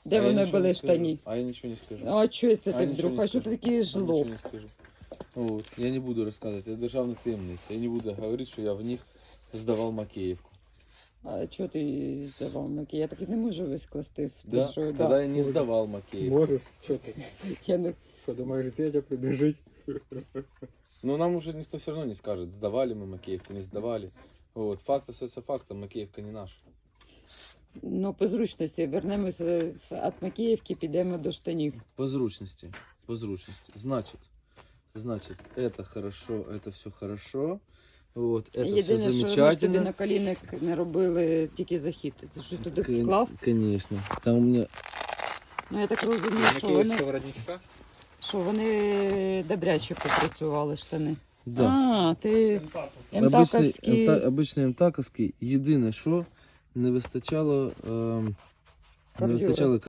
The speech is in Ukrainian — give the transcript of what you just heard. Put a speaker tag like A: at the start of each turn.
A: Де
B: А я
A: вони
B: нічого
A: були
B: не скажу.
A: штані?
B: А я ничего не скажу.
A: А чого це
B: А
A: ти
B: я нічого
A: вдруг?
B: не
A: А що ти
B: скажу.
A: такий
B: Я
A: жлоб?
B: ничего не скажу. Вот. Я не буду рассказывать, это державная таємниця. Я не буду говорить, що я в них здавав Макеївку.
A: А чого ти здавав Маки? Я так і не можу вискласти.
B: Да?
A: Що,
B: Тогда я не здавав Макеївку.
C: Можешь? Что ты?
A: Я не...
C: Что, думаешь, Зетя прибежит?
B: Но нам уже никто все равно не скажет, сдавали мы Макеевку, не сдавали. Вот. Факт остается фактом, Макеевка не наша.
A: Ну, по зручності. Вернемося від Макіївки, підемо до штанів.
B: По зручности. По зручности. Значит, это хорошо, это все хорошо. Вот, это все
A: Єдине, що ми ж тобі
B: замечательно.
A: на колінник не робили тільки захід. Ти щось туди вклав?
B: Конечно. Там у меня
A: Ну, я так розумію, що вони добряче попрацювали штани.
B: да.
A: А, ти
B: Обычный,
A: МТАКовський.
B: обычный МТАКовський. Єдине, що не вистачало, не
A: Бордюра.
B: вистачало